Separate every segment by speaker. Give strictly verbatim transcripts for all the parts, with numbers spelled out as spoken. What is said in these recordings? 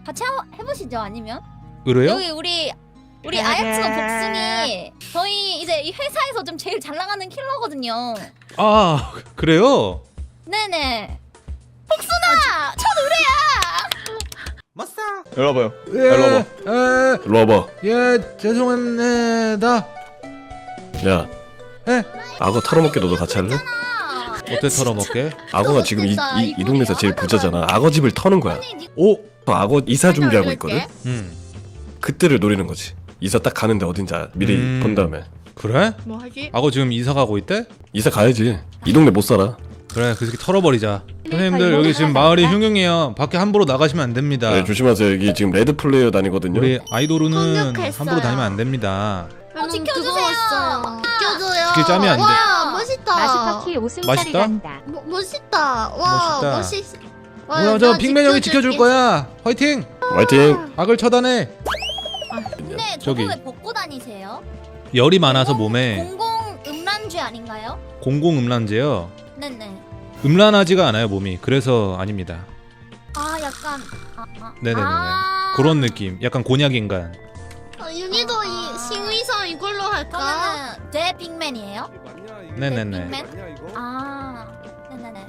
Speaker 1: 같이 하, 해보시죠. 아니면
Speaker 2: 의뢰요?
Speaker 1: 여기 우리 우리 아야츠노 복숭이 저희 이제 이 회사에서 좀 제일 잘 나가는 킬러거든요.
Speaker 2: 아 그래요?
Speaker 1: 네네. 복순아, 첫 의뢰야.
Speaker 3: 맞싸.
Speaker 4: 일로 와봐요.
Speaker 2: 예,
Speaker 4: 일로 와봐.
Speaker 2: 에,
Speaker 4: 일로 와봐.
Speaker 2: 예 죄송합니다.
Speaker 4: 야,
Speaker 2: 에?
Speaker 4: 악어 털어먹게 너도 같이 할래?
Speaker 2: 어때 털어먹게?
Speaker 4: 악어가 지금 이, 이, 이 동네에서 제일 부자잖아. 악어 집을 터는 거야.
Speaker 2: 오,
Speaker 4: 저 악어 이사 준비하고 있거든.
Speaker 2: 음
Speaker 4: 그때를 노리는 거지. 이사 딱 가는데 어딘지 아- 미리
Speaker 2: 음.
Speaker 4: 본 다음에
Speaker 2: 그래?
Speaker 5: 뭐 하지?
Speaker 2: 악어 지금 이사 가고 있대?
Speaker 4: 이사 가야지. 이 동네 못 살아.
Speaker 2: 그래 그 새끼 털어버리자. 선생님들 여기 지금 마을이 흉흉해요. 밖에 함부로 나가시면 안 됩니다.
Speaker 4: 네, 조심하세요. 여기 지금 레드 플레이어 다니거든요.
Speaker 2: 우리 아이돌은
Speaker 5: 공격했어요.
Speaker 2: 함부로 다니면 안 됩니다.
Speaker 1: 어, 지켜주세요.
Speaker 5: 지켜줘요.
Speaker 2: 지킬 짬이 안 돼.
Speaker 5: 와 멋있다.
Speaker 6: 마스터키 웃음살이
Speaker 2: 맛있다?
Speaker 6: 난다.
Speaker 5: 뭐, 멋있다. 와
Speaker 2: 멋있다.
Speaker 5: 멋있. 와,
Speaker 2: 뭐야 저
Speaker 5: 나
Speaker 2: 빅맨 형이 지켜줄
Speaker 5: 지켜줄게.
Speaker 2: 거야. 화이팅!
Speaker 4: 화이팅.
Speaker 2: 악을 처단해.
Speaker 1: 근데
Speaker 2: 저기.
Speaker 1: 저거 왜 벗고 다니세요?
Speaker 2: 열이 많아서 몸에
Speaker 1: 공공 음란죄 아닌가요?
Speaker 2: 공공음란제요.
Speaker 1: 네네.
Speaker 2: 음란하지가 않아요 몸이. 그래서 아닙니다.
Speaker 1: 아 약간 아, 아.
Speaker 2: 네네네네.
Speaker 1: 아.
Speaker 2: 그런 느낌. 약간 곤약 인간.
Speaker 5: 어, 윤희도 이 싱의성 이걸로 할까?
Speaker 1: 그러면은 대 빅맨이에요?
Speaker 2: 네네네.
Speaker 1: 빅맨? 아 네네네.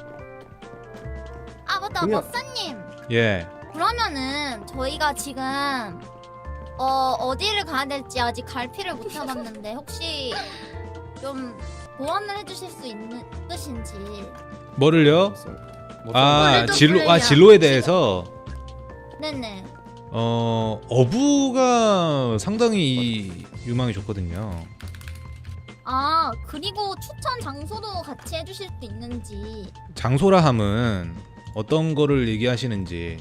Speaker 1: 아 맞다
Speaker 3: 그냥-
Speaker 1: 법사님.
Speaker 2: 예.
Speaker 1: 그러면은 저희가 지금 어 어디를 가야 될지 아직 갈피를 못 잡았는데 혹시 좀 조언을 해주실 수 있는 있으신지.
Speaker 2: 뭐를요? 아
Speaker 5: 원래도
Speaker 2: 진로 아
Speaker 5: 플레이야.
Speaker 2: 진로에 대해서
Speaker 1: 네네.
Speaker 2: 어 어부가 상당히 유망이 좋거든요.
Speaker 1: 아 그리고 추천 장소도 같이 해주실 수 있는지.
Speaker 2: 장소라 함은 어떤 거를 얘기하시는지.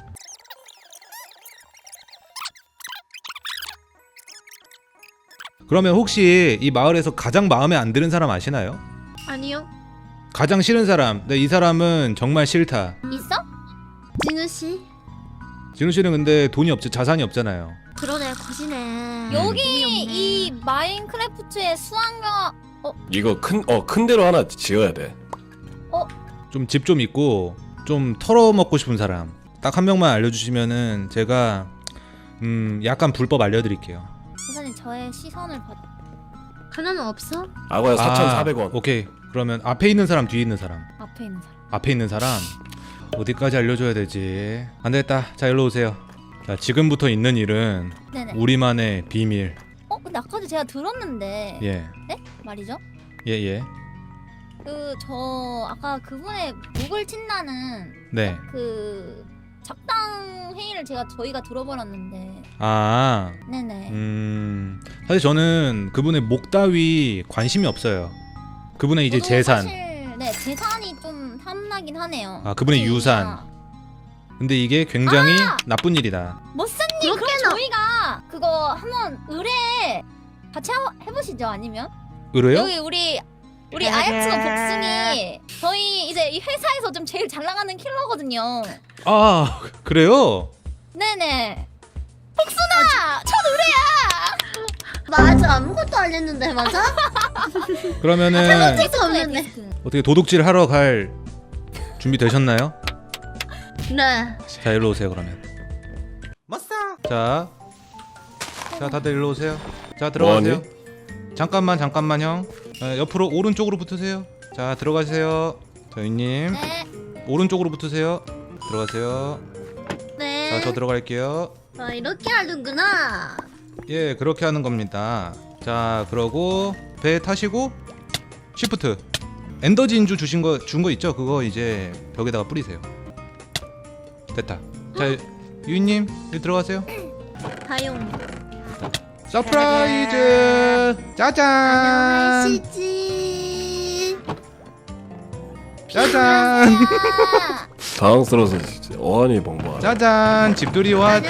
Speaker 2: 그러면 혹시 이 마을에서 가장 마음에 안 드는 사람 아시나요?
Speaker 5: 아니요.
Speaker 2: 가장 싫은 사람. 네, 이 사람은 정말 싫다.
Speaker 1: 있어?
Speaker 5: 진우 씨.
Speaker 2: 진우 씨는 근데 돈이 없죠. 자산이 없잖아요.
Speaker 5: 그러네 거지네.
Speaker 1: 여기 이 마인크래프트의 수학과
Speaker 4: 이거 큰 어 큰 데로 하나 지어야 돼.
Speaker 2: 좀 집 좀 있고 좀 털어먹고 싶은 사람. 딱 한 명만 알려주시면은 제가 음 약간 불법 알려드릴게요.
Speaker 1: 선생님 저의 시선을 받.
Speaker 5: 하나는 없어?
Speaker 4: 악어야 사천사백 원.
Speaker 2: 오케이. 그러면 앞에 있는 사람, 뒤에 있는 사람.
Speaker 1: 앞에 있는 사람.
Speaker 2: 앞에 있는 사람 어디까지 알려줘야 되지? 안 되겠다. 자 일로 오세요. 자 지금부터 있는 일은
Speaker 1: 네네.
Speaker 2: 우리만의 비밀.
Speaker 1: 어 근데 아까도 제가 들었는데.
Speaker 2: 예.
Speaker 1: 네? 말이죠?
Speaker 2: 예 예.
Speaker 1: 그 저 아까 그분의 목을 친다는
Speaker 2: 네.
Speaker 1: 그 작당 회의를 제가 저희가 들어버렸는데.
Speaker 2: 아.
Speaker 1: 네네.
Speaker 2: 음. 사실 저는 그분의 목 따위 관심이 없어요. 그분의 이제
Speaker 1: 저도
Speaker 2: 재산.
Speaker 1: 사실, 네 재산이 좀 탐나긴 하네요.
Speaker 2: 아, 그분의
Speaker 1: 제이가.
Speaker 2: 유산. 근데 이게 굉장히
Speaker 1: 아!
Speaker 2: 나쁜 일이다.
Speaker 1: 머스님 그럼
Speaker 5: 그렇게나-
Speaker 1: 저희가 그거 한번 의뢰 같이 하, 해보시죠. 아니면
Speaker 2: 의뢰요?
Speaker 1: 여기 우리 우리 아야츠노 복숭이 저희 이제 이 회사에서 좀 제일 잘 나가는 킬러거든요.
Speaker 2: 아 그래요?
Speaker 1: 네네. 복순아 첫 의뢰야.
Speaker 5: 맞아 아무것도 안 했는데 맞아?
Speaker 2: 그러면은
Speaker 5: 디스크 없는데.
Speaker 1: 디스크.
Speaker 2: 어떻게 도둑질 하러 갈 준비 되셨나요?
Speaker 5: 네.
Speaker 2: 자 일로 오세요 그러면.
Speaker 3: 맞싸.
Speaker 2: 자, 자 다들 일로 오세요. 자 들어가세요.
Speaker 4: 뭐하니?
Speaker 2: 잠깐만 잠깐만 형. 어, 옆으로 오른쪽으로 붙으세요. 자 들어가세요. 저희님
Speaker 1: 네.
Speaker 2: 오른쪽으로 붙으세요. 들어가세요.
Speaker 5: 네.
Speaker 2: 자 저 들어갈게요.
Speaker 5: 아 이렇게 하는구나.
Speaker 2: 예 그렇게 하는 겁니다. 자 그러고 배 타시고 시프트 엔더 진주 주신 거 준 거 있죠? 그거 이제 벽에다가 뿌리세요. 됐다. 자 유인님 여기 들어가세요.
Speaker 5: 다용.
Speaker 2: 서프라이즈 짜잔
Speaker 5: 안녕하시지.
Speaker 2: 짜잔
Speaker 1: 아,
Speaker 4: 당황스러워서 진짜 어안이 벙벙.
Speaker 2: 짜잔 집들이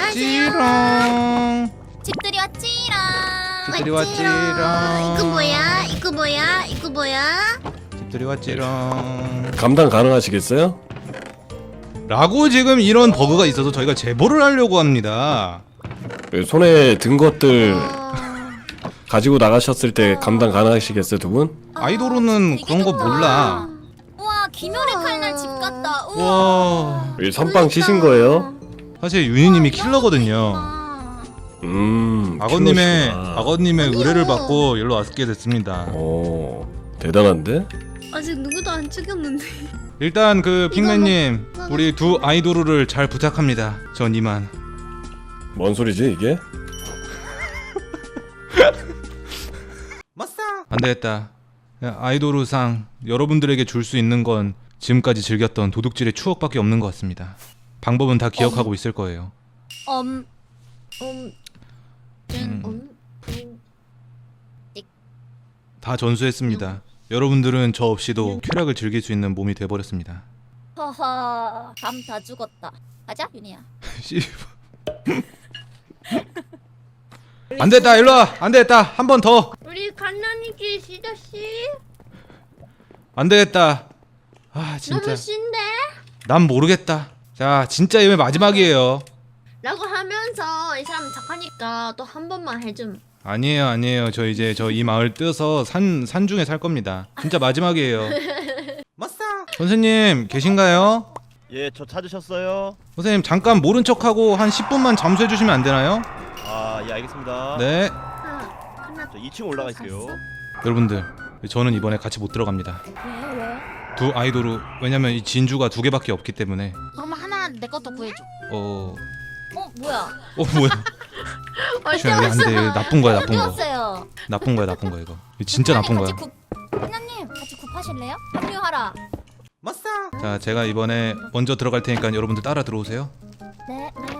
Speaker 2: 왔지롱.
Speaker 1: 집들이 왔지랑.
Speaker 2: 집들이
Speaker 5: 왔지롱.
Speaker 2: 왔지롱.
Speaker 5: 이거 뭐야? 이거 뭐야? 이거 뭐야?
Speaker 2: 집들이 왔지롱.
Speaker 4: 감당 가능하시겠어요?
Speaker 2: 라고 지금 이런 버그가 있어서 저희가 제보를 하려고 합니다.
Speaker 4: 그 손에 든 것들
Speaker 5: 어...
Speaker 4: 가지고 나가셨을 때 감당 가능하시겠어요 두 분?
Speaker 2: 아이돌은
Speaker 1: 되게
Speaker 2: 그런 거
Speaker 1: 좋다.
Speaker 2: 몰라.
Speaker 1: 우와 김열의 칼날 집 같다. 우와.
Speaker 2: 와
Speaker 4: 이 선빵 치신 거예요?
Speaker 2: 사실 윤희님이
Speaker 1: 와, 이런
Speaker 2: 킬러거든요.
Speaker 1: 것도 있구나.
Speaker 4: 음.
Speaker 2: 악어님의
Speaker 4: 킬러시구나.
Speaker 2: 악어님의
Speaker 1: 아니요.
Speaker 2: 의뢰를 받고 일로 왔게 됐습니다.
Speaker 4: 오, 대단한데?
Speaker 5: 아직 누구도 안 죽였는데.
Speaker 2: 일단 그 핑맨님
Speaker 5: 이거
Speaker 2: 우리 두 아이돌을 잘 부탁합니다. 전 이만.
Speaker 4: 뭔 소리지 이게?
Speaker 2: 안 되겠다. 아이돌우상 여러분들에게 줄 수 있는 건 지금까지 즐겼던 도둑질의 추억밖에 없는 것 같습니다. 방법은 다 기억하고 있을 거예요.
Speaker 1: 엄
Speaker 5: 음,
Speaker 2: 음,
Speaker 5: 음, 음.
Speaker 2: 다 전수했습니다. 여러분들은 저 없이도 쾌락을 즐길 수 있는 몸이 돼버렸습니다.
Speaker 1: 허허 밤 다 죽었다. 가자 윤희야.
Speaker 2: 씨. 안 됐다. 일로 와. 안 되겠다. 한 번 더.
Speaker 5: 우리 갓난이길 시저씨
Speaker 2: 안 되겠다. 아 진짜.
Speaker 5: 너무 신데?
Speaker 2: 난 모르겠다. 자 진짜 이번에 마지막이에요.
Speaker 5: 라고 하면서 이 사람 착하니까 또 한 번만 해줌.
Speaker 2: 아니에요, 아니에요. 저 이제 저 이 마을 뜨서 산 산중에 살 겁니다. 진짜 마지막이에요. 선생님 계신가요?
Speaker 3: 예, 저 찾으셨어요?
Speaker 2: 선생님 잠깐 모른 척하고 한 십 분만 잠수해 주시면 안 되나요?
Speaker 3: 아, 예, 알겠습니다.
Speaker 2: 네.
Speaker 5: 아, 하나
Speaker 3: 저 이 층 올라가 있어요.
Speaker 2: 여러분들 저는 이번에 같이 못 들어갑니다.
Speaker 1: 왜 왜?
Speaker 2: 두 아이돌우 왜냐면 이 진주가 두 개밖에 없기 때문에
Speaker 1: 그럼 하나 내 것도 구해줘.
Speaker 2: 어,
Speaker 1: 어 뭐야?
Speaker 2: 어 뭐야?
Speaker 5: 어디
Speaker 2: 조용히 안 돼.
Speaker 5: 왔어?
Speaker 2: 나쁜 거야,
Speaker 1: 어디
Speaker 2: 나쁜 거.
Speaker 1: 왔어요?
Speaker 2: 나쁜 거야, 나쁜 거야 이거. 이거 진짜 나쁜 거야.
Speaker 1: 같이 굽. 하나님 같이 굽하실래요? 합류하라.
Speaker 2: 자, 제가 이번에 먼저 들어갈 테니까 여러분들 따라 들어오세요.
Speaker 1: 네 네.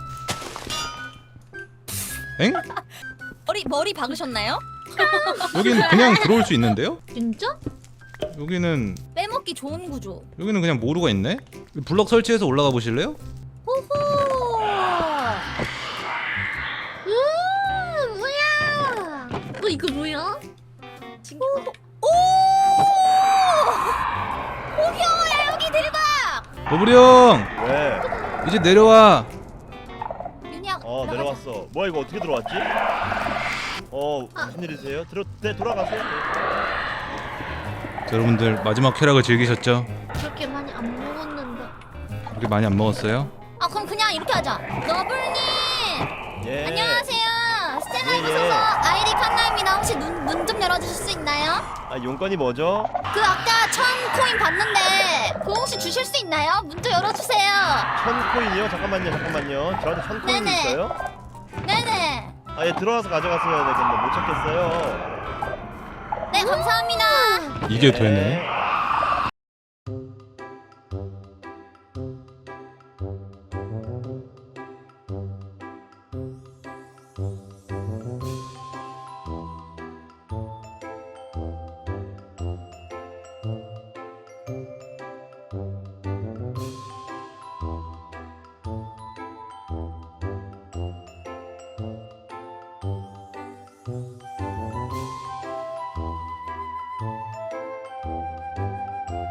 Speaker 2: 엥?
Speaker 1: 머리 머리 박으셨나요?
Speaker 2: 여기는 그냥 들어올 수 있는데요?
Speaker 5: 진짜?
Speaker 2: 여기는
Speaker 1: 빼먹기 좋은 구조.
Speaker 2: 여기는 그냥 모루가 있네. 블럭 설치해서 올라가 보실래요?
Speaker 1: 호호.
Speaker 5: 음, 뭐야? 어, 이거 뭐야? 지금
Speaker 1: 오! 오경호야 여기 내려가.
Speaker 2: 버블이 형
Speaker 3: 왜?
Speaker 2: 이제 내려와.
Speaker 1: 윤희야.
Speaker 3: 어,
Speaker 1: 들어가자.
Speaker 3: 내려왔어. 뭐야, 이거 어떻게 들어왔지? 어, 무슨 일이세요? 들어, 네, 돌아가세요.
Speaker 2: 자, 여러분들 마지막 쾌락을 즐기셨죠?
Speaker 5: 그렇게 많이 안 먹었는데.
Speaker 2: 그렇게 많이 안 먹었어요?
Speaker 1: 아 그럼 그냥 이렇게 하자. 너블님.
Speaker 3: 예.
Speaker 1: 안녕하세요. 스텔라
Speaker 3: 예,
Speaker 1: 입으셔서
Speaker 3: 예.
Speaker 1: 아이리 칸나입니다. 혹시 문 문 좀 열어주실 수 있나요?
Speaker 3: 아, 용건이 뭐죠?
Speaker 1: 그 아까 천 코인 받는데 그거 혹시 주실 수 있나요? 문 좀 열어주세요.
Speaker 3: 천 코인이요? 잠깐만요, 잠깐만요. 저한테 천 코인이
Speaker 1: 네네.
Speaker 3: 있어요?
Speaker 1: 네네.
Speaker 3: 아, 예, 들어와서 가져갔어야 되겠네. 못 찾겠어요.
Speaker 1: 네 감사합니다.
Speaker 2: 이게
Speaker 3: 예.
Speaker 2: 되네.